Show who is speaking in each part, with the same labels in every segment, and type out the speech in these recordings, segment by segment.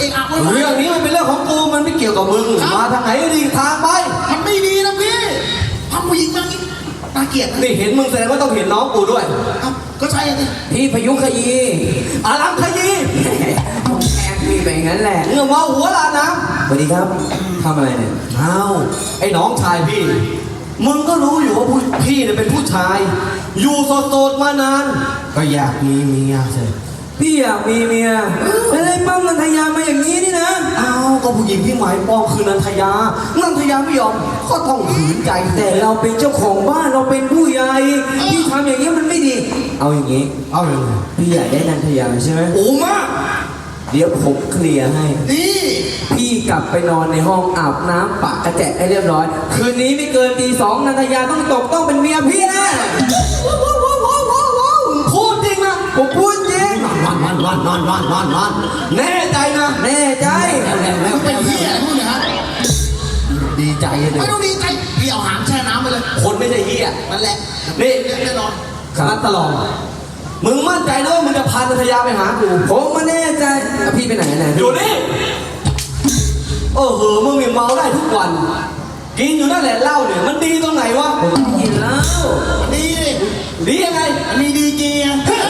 Speaker 1: อะไว้
Speaker 2: เรื่องนี้มันเป็นเรื่องของกูมันไม่เกี่ยวกับมึงมาทางไหนดีทางไป
Speaker 1: มันไม่ดีนะพี่ทำผู้หญิงแบบนี้น่าเกลียด
Speaker 2: นี่เห็นมึงแสดงว่าต้องเห็นน้องกูด้วย
Speaker 1: ก็ใช่สิ
Speaker 3: พี่พยุขยี
Speaker 2: อารัมขยี
Speaker 3: แอบพี่ไปงั้นแหละ
Speaker 2: เรื่องมาหัวลาน้
Speaker 3: สวัสดีครับทำอะไรเนี่ย
Speaker 2: อ้าวไอ้น้องชายพี่มึงก็รู้อยู่ว่าพี่เนี่ยเป็นผู้ชายอยู่โสดๆมานานก็อยากมีเมียใช่
Speaker 3: พี่อยากมีเมียไม่ได้ปั้มนันทยามาอย่างนี้นี่นะ
Speaker 2: อ้าวก็ผู้หญิงที่หมายปองคือนันทยาไม่ยอมก็ต้องขืนใจ
Speaker 3: แต่เราเป็นเจ้าของบ้านเราเป็นผู้ใหญ่พี่ทำอย่างนี้มันไม่ดีเอาอย่างนี้
Speaker 2: เอาเลย
Speaker 3: พี่อยากได้นันทยาใช่ไหม
Speaker 2: โอ้มาก
Speaker 3: เดี๋ยวผมเคลียร์ให้
Speaker 1: นี่
Speaker 3: พี่กลับไปนอนในห้องอาบน้ำปะกระแจะให้เรียบร้อยคืนนี้ไม่เกินตี 2นันทยาต้องเป็นเมียพี่นะ
Speaker 2: พูดจริงนะ
Speaker 3: ผมพูดจริง
Speaker 2: นแน่ใจนะ
Speaker 3: แน่ใจ
Speaker 1: แล้วเป็นเหี้ยพูดนะฮะ
Speaker 2: ดีใจเลย
Speaker 1: ไม่ต้องดีใจพี่เอาหางแช่น้ำไปเลย
Speaker 2: คนไม่ใช่เหี้ย
Speaker 1: นั่นแหละ
Speaker 2: นี่
Speaker 1: แน่นอน
Speaker 2: นัดตลอดมึงมั่นใจนะว่ามึงจะพานันทยาไปหากู
Speaker 3: ผมมาแน่ใจพี่ไปไหน
Speaker 2: อยู่นี่มึงมีเมาได้ทุกวันกินอยู่นั่นแหละเหล้าเนี่ยมันดีตรงไหนวะ
Speaker 3: กินเหล้า
Speaker 2: ดียังไง
Speaker 1: มีดีจริง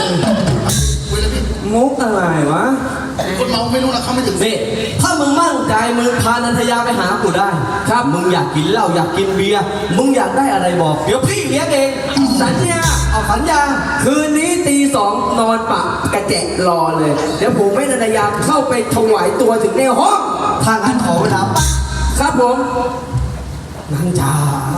Speaker 3: มุกอะไรวะ
Speaker 1: คนเมาไม่รู้นะเขาไม่ถึง
Speaker 2: นี่ถ้ามึงมั่นใจมึงพานันทยาไปหากูได้ครับมึงอยากกินเหล้าอยากกินเบียร์มึงอยากได้อะไรบอกเดี๋ยวพี่เลี้ยงเอง
Speaker 3: สัญญา
Speaker 2: เอาสัญญา
Speaker 3: คืนนี้ตี 2นอนปะกระแจะรอเลยเดี๋ยวผมให้นันทยาเข้าไปถวายตัวถึงในห้อง
Speaker 2: ทางนั้นขอเวลาปั๊บ
Speaker 3: ครับผม
Speaker 2: นันจ๋า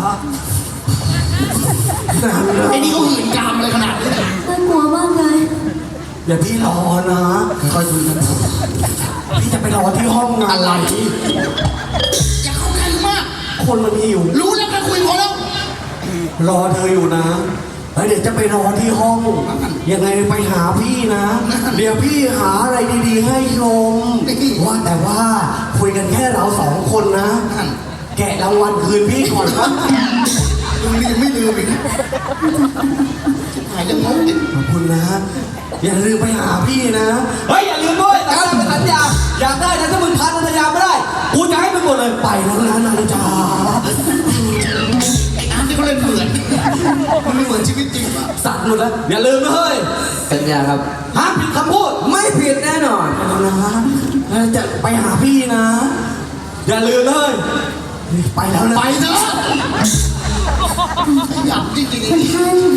Speaker 1: ไอ้นี่เขาหื่นกามอะไรขนาดนี้
Speaker 4: น่ากลัวมากเลย
Speaker 2: อย่าพี่รอนะคอยดูนะพี่จะไปรอที่ห้องงานอะไร
Speaker 1: อย่าเข้าใกล้มาก
Speaker 2: คนมันมีอยู่
Speaker 1: รู้แล้วก็คุยพอแล้ว
Speaker 2: รอเธออยู่นะเดี๋ยวจะไปรอที่ห้องยังไงไปหาพี่นะเดี๋ยวพี่หาอะไรดีๆให้ชมว่าแต่ว่าคุยกันแค่เรา2 คนนะแกะรางวัลคืนพี่ก่อนครับ
Speaker 1: มึงนี่ไม่ลืมอีกหายยังงง
Speaker 2: ขอบคุณนะอย่าลืมไปหาพี่นะเฮ้ยอย่าลืมด้วยสัญญาอยากได้นะถ้ามึงพานันทยาไม่ได้กูจะให้มึงหมดเลยไปแล้วนะนันจ๋า
Speaker 1: ไอ้อาร์ตที่เขาเล่นเหมือนมันไม่เหมือนชีวิตจริงป่ะ
Speaker 2: สัตว์หมดแล้วอย่าลืมนะเฮ้ย
Speaker 3: สัญญาครับ
Speaker 2: ห้ามผิดคำพูด
Speaker 3: ไม่ผิดแน่นอน
Speaker 2: นะจะไปหาพี่นะอย่าลืมเลยไปแล้วนะ
Speaker 1: ไปเถอะอยากจริงๆ
Speaker 4: คุณท่าน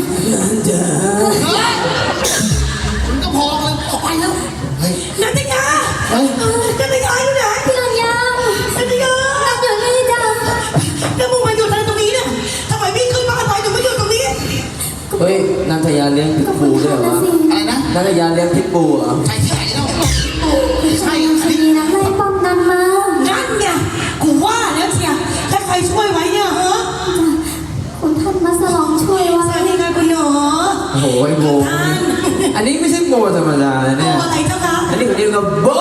Speaker 1: คุณก็พอเลยออกไปแล้ว
Speaker 4: นันทยานันทยาอยู่ไหนพี่นันยานันทยาอยู่นี่จ้ะแล้วมึงมาอยู่อะไรตรงนี้เนี่ยทำไมพี่ขึ้นบ้านไปถึงไม่อยู่ตรงนี้
Speaker 3: เฮ้ยนันทยาเลี้ยงพิษบูด้วยเหรอ
Speaker 1: อะไรนะ
Speaker 3: นันทยาเลี้ยงพิษบูเหรอ
Speaker 1: ใช่ที่ไหนแล้วใช่
Speaker 4: ดีนะไล่ป้อมนันมา
Speaker 5: นั่นไงกูว่าแล้วเชียถ้าใครช่วยไว้เนี่ยเหรอ
Speaker 4: คุณท่านมาสลองช่วยไว้
Speaker 5: ใช่ไงคุณหนู
Speaker 3: โอ้โหไอ้โบอันนี้ไม่ใช่โบธรรมดาเนี่ย
Speaker 5: โบอะไรเจ้าคะ
Speaker 3: อันนี้เขาเรียกว่าโบ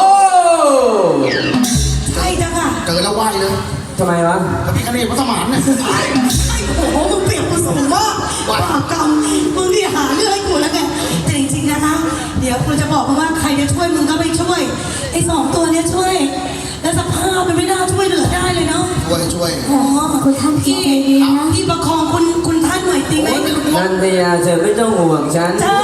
Speaker 5: ใช่เจ้าค่ะ
Speaker 1: เจอแล้วไหวเลย
Speaker 3: ทำไมวะ
Speaker 1: กับพี่คณีพระสมานเนี่ย
Speaker 5: โอ้โหมึงเปลี่ยนกูสูงมากบาปกรรมมึงที่หาเรื่องให้กูแล้วไงแต่จริงๆนะคะเดี๋ยวกูจะบอกว่าใครจะช่วยมึงก็ไปช่วยไอ้2 ตัวเนี้ยช่วยแล้วสภาพมันไม่น่าช่วยเหลือได้เลยเนาะ
Speaker 1: ช่วย
Speaker 5: อ๋อ
Speaker 4: คุณท่านพี่
Speaker 5: พี่ประคองคุณท่านหน่อยดีไหม
Speaker 3: นันทยาเธอไม่ต้องห่วงฉัน
Speaker 5: ใช่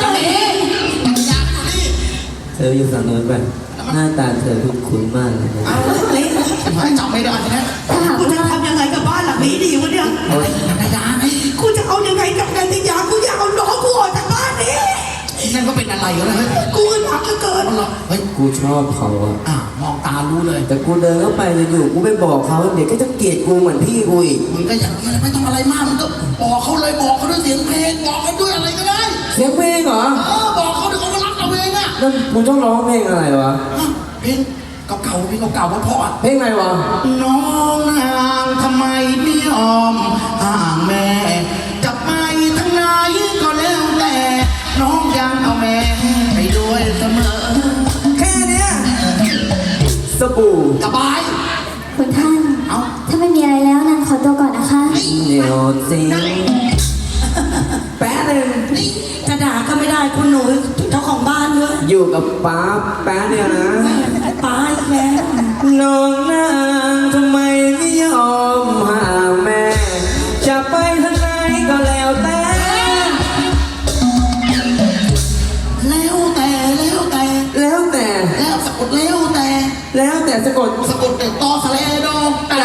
Speaker 3: เธออยู่ฝั่งโน้นไปหน้าตาเธอคุ้นๆมากเลย
Speaker 1: จำไม่ได้นะ
Speaker 5: กูจะทำยังไงกับบ้านหลังนี้ดีวะเนี่ย
Speaker 1: นันทยาไง
Speaker 5: กูจะเอายังไงกับนันทยากูอยากเอาน้องกูออกจากบ้านนี้
Speaker 1: นั่นก็เป็นอะไรกันนะ
Speaker 5: กูอึดอัดเหลือเกิน
Speaker 1: เฮ้ย
Speaker 3: กูชอบเขา
Speaker 1: อ่ะมองตารู้เลย
Speaker 3: แต่กูเดินเข้าไปจะอยู่กูไปบอกเขาเดี๋ยวก็จะเกลียดกูเหมือนพี่กูอีก
Speaker 1: มึงก็อย่างนี้ไม่ต้องอะไรมากมึงก็บอกเขาเลยบอกเขาด้วยเสียงเพลงบอกเขาด้วยอะไรก็ได้
Speaker 3: เสียงเพลงเหรอ
Speaker 1: บอกเขาเดี๋ยวเขาก็รักเราเองอ่ะ
Speaker 3: นั่นกูต้องร้องเพลงอะไรวะ
Speaker 1: เพลงเก่าๆเพลงเก่าๆเพราะ
Speaker 3: เพลงอะไรวะ
Speaker 1: น้องนางทำไมไม่ยอมห่างแม่จะไปทั้งไหนก็แล้วแต่น้องยังเอาแม่ไปด้วยเสมอ
Speaker 3: แค่เนี้ยสบู่
Speaker 1: สบาย
Speaker 4: คุณท่านถ้าไม่มีอะไรแล้วนันขอตัวก่อนนะคะ
Speaker 3: เดี๋ยวสิแป๊ะนึง
Speaker 5: จะด่าก็ไม่ได้คุณหนูเจ้าของบ้านด้วย
Speaker 3: อยู่กับป้าแป๊ะเดียวนะ
Speaker 5: ป้าอีกแล้ว
Speaker 3: แล้วแต่สะกด
Speaker 1: สะกดแต่ตอสะเลโดแต่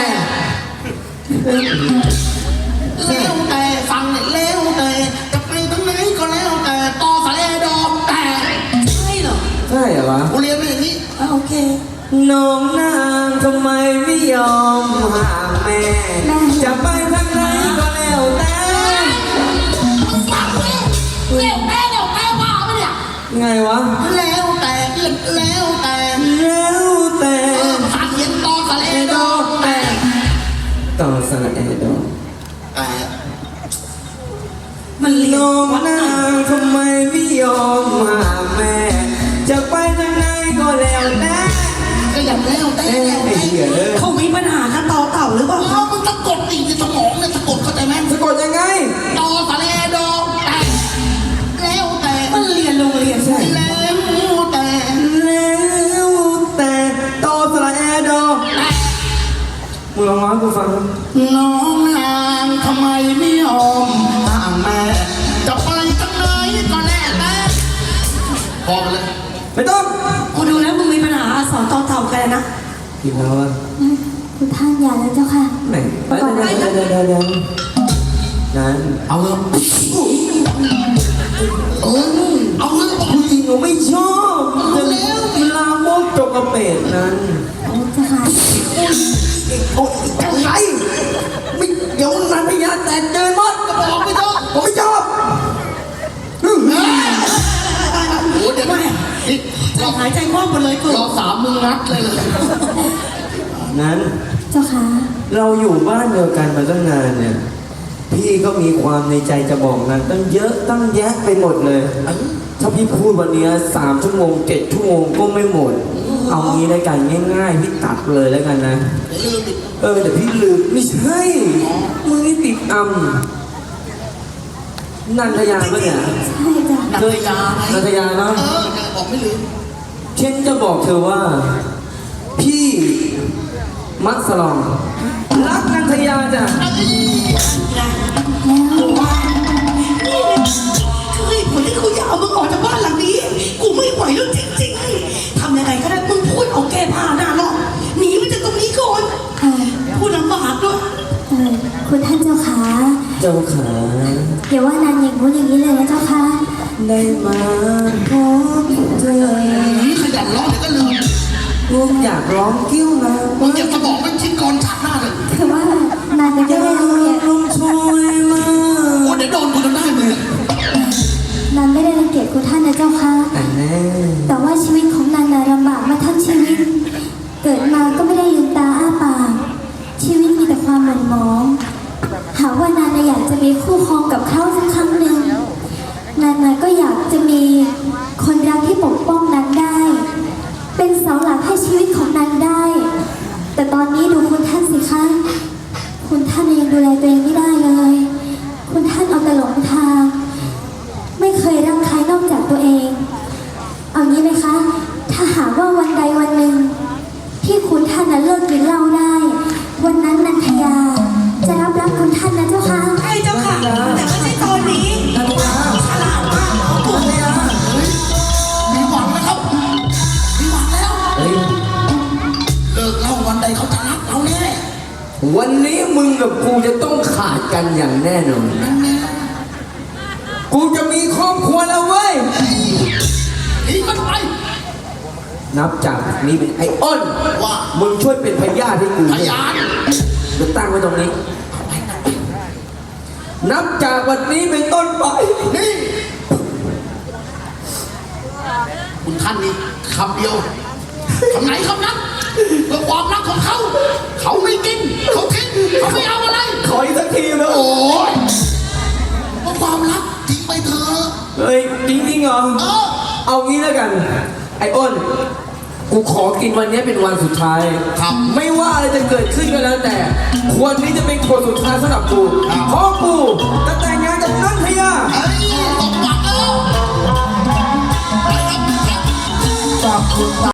Speaker 1: แล้วแต่ฟังแล้วแต่จะไปทางไหนก็แล้วแต่ตอสะเลโดแต่
Speaker 5: ใช่เหรอ
Speaker 3: ใช่เหรอวะ
Speaker 1: กูเรียนมาอย่างนี้
Speaker 5: โอเค
Speaker 3: น้องนางทำไมไม่ยอมห่างแม่ จะไปทางไหนก็แล้วแต่
Speaker 1: เร็วแม่เร็วแม่ว่าปะเนี่ย
Speaker 3: ไงวะ
Speaker 1: แล้วแต่แล้วแต่
Speaker 3: แล้วแต่
Speaker 1: ฟังเย็นตอสะเลโดแต่
Speaker 3: ต่อสระแอดอ
Speaker 1: แต่
Speaker 5: มันเรีย
Speaker 3: น้อง
Speaker 5: วัด
Speaker 3: นางทำไมไม่ยอมห่างแม่ จะไปทางไหนก็แล้วแต่
Speaker 1: ก็อย่างแล้วแต่
Speaker 3: เอ้ย
Speaker 1: แล้ว
Speaker 3: ไอ้
Speaker 1: แต่
Speaker 3: เหี้ยเลย
Speaker 5: เขามีปัญหากับต่อเต่าหรือเปล่า
Speaker 1: เอามึงสะกดดิในสมองเนี่ยสะกดเข้าใจไหม
Speaker 3: สะกดยังไง
Speaker 1: ตอสะเลโดแต่แล้วแต่
Speaker 5: มันเรียนโรงเรียนใช่
Speaker 1: แล้วแต่
Speaker 3: แล้วแต่ต่อสระแอดอมึงลองร้องให้กูฟังดิ
Speaker 1: น้องนางทำไมไม่ยอมห่างแม่จะไปทางไหนก็แล้วแต่พอกันเลย
Speaker 3: ไม่ต้อง
Speaker 5: กูดูแล้วมึงมีปัญหาสอนต่อเต่ากันนะ
Speaker 3: อีกแล้วอ่ะ
Speaker 6: คุณท่านอย่าแล้วเจ้าค่ะ
Speaker 3: ไหนเดี๋ยวนั้น
Speaker 1: เอาเลยเอาเลยบอก
Speaker 3: ผู้หญิงหนูไม่ชอบจะลามกจกกระเปดนั้น
Speaker 6: เจ้าค่ะ
Speaker 3: โอ้ยยังไงไม่เดี๋ยวนันพยาแต่เดินมด
Speaker 1: ก็บอกไม่ต้อง
Speaker 3: ผมไม่ชอบ
Speaker 1: โอ้เดี๋ยวนี่
Speaker 5: ใจหายใจคว่ำหมดเลยกู
Speaker 1: รอสามมึงนัดเลย
Speaker 3: นั้น
Speaker 6: เจ้าค่ะ
Speaker 3: เราอยู่บ้านเดียวกันมาตั้งนานเนี่ย พี่ก็มีความในใจจะบอกนั้นตั้งเยอะตั้งแยะไปหมดเลย ถ้าพี่พูดวันนี้3 ชั่วโมง 7 ชั่วโมงก็ไม่หมด เอางี้แล้วกันง่ายๆพี่ตัดเลยแล้วกันนะ
Speaker 1: ลืมอีก
Speaker 3: เดี๋ยวพี่ลืมไม่ใช่มึงนี่ติดนันทยาปะเนี่ย
Speaker 6: ใช่จ้ะ
Speaker 1: นักยาไง
Speaker 3: นันทยาเนาะ
Speaker 1: บอกไม่ลืม
Speaker 3: เช่นจะบอกเธอว่า พี่มัสลองรักนันทยาจ้ะ
Speaker 5: กูว่านี่เลยคือเหตุผลที่กูอยากเอามึงออกจากบ้านหลังนี้ กูไม่ไหวแล้วจริงๆทำยังไงก็ได้มึงพูดเอาแก้ผ้าหน้าหรอกหนีไปจากตรงนี้ก่อน
Speaker 6: เอ่อ
Speaker 5: พูดลำบากด้วย
Speaker 6: คุณท่านเจ้าค่ะ
Speaker 3: เจ้าขา
Speaker 6: อย่าว่านานอย่างงู้นอย่างนี้เลยนะเจ้าค่ะ
Speaker 3: ได้มาพบเธอ
Speaker 1: ขยันร้องเดี๋ยวก็ลืม
Speaker 3: ลูกอยากร้องกิ้วนะ
Speaker 1: มึงเก็บสมองไม่คิดก่อนฉากหน้าเลย
Speaker 6: คือว่านานยังไม่ได้รังเกียจ
Speaker 3: ลมช่วยมา
Speaker 1: โอ้เดี๋ยวโดนกูจนได้มึง
Speaker 6: นานไม่ได้รังเกียจคุณท่านนะเจ้าค่ะ
Speaker 3: แต่แน่
Speaker 6: แต่ว่าชีวิตของนานน่ะลำบากมาทั้งชีวิต เกิดมาก็ไม่ได้ลืมตาอ้าปากชีวิตมีแต่ความหม่นหมอง หากว่านานน่ะอยากจะมีคู่ครองกับเขาสักครั้งหนึ่งนานน่ะก็อยากจะมีคนรักที่ปกป้องนานได้ เป็นเสาหลักให้ชีวิตของนานได้ แต่ตอนนี้ดูคุณท่านสิคะ คุณท่านยังดูแลตัวเองไม่ได้เลย คุณท่านเอาแต่หลงทาง ไม่เคยรักใครนอกจากตัวเอง เอางี้ไหมคะ ถ้าหากว่าวันใดวันหนึ่ง ที่คุณท่านนั้นเลิกกินเหล้าได้ วันนั้นนันทยา จะรับรักคุณท่านนะเจ้าค่ะ
Speaker 5: ใช่เจ้าค่ะ แต่ไม่ใช่ตอนนี้ฉลาดมากกู
Speaker 1: มีหวังนะครับมีหวังแล้ว
Speaker 3: เฮ้ย
Speaker 1: เลิกเล่าวันใดเขาจะรักเราแน่
Speaker 3: วันนี้มึงกับกูจะต้องขาดกันอย่างแน่นอน กูจะมีครอบครัวแล้วเว้ย
Speaker 1: หนีมันไป
Speaker 3: นับจากนี้เป็นไอ้อ้น
Speaker 1: ว่า
Speaker 3: มึงช่วยเป็นพยาธิให้กู
Speaker 1: พยาน
Speaker 3: เดี๋ยวตั้งไว้ตรงนี้ นับจากวันนี้เป็นต้นไป
Speaker 1: นี่คุณท่านนี่คำเดียวคำไหนคำนั้นเพื่อความรักของเขา เขาไม่กิน เขาทิ้งเขาไม่เอาอะไร
Speaker 3: ขออีกสักทีนะ
Speaker 1: โอ้ยเพราะความรักทิ้งไปเถอะ
Speaker 3: เฮ้ยจริงๆเหรอ เอางี้แล้วกัน ไอ้อ้น กูขอกินวันนี้เป็นวันสุดท้าย
Speaker 1: ครับ
Speaker 3: ไม่ว่าอะไรจะเกิดขึ้นก็แล้วแต่ ควรนี้จะเป็นคนสุดท้ายสำหรับกู
Speaker 1: ครับ
Speaker 3: เพราะกูจะแต่งงานกับนันทยา
Speaker 1: เฮ้ยตบปากแล้วไปครับ
Speaker 2: จากคุณ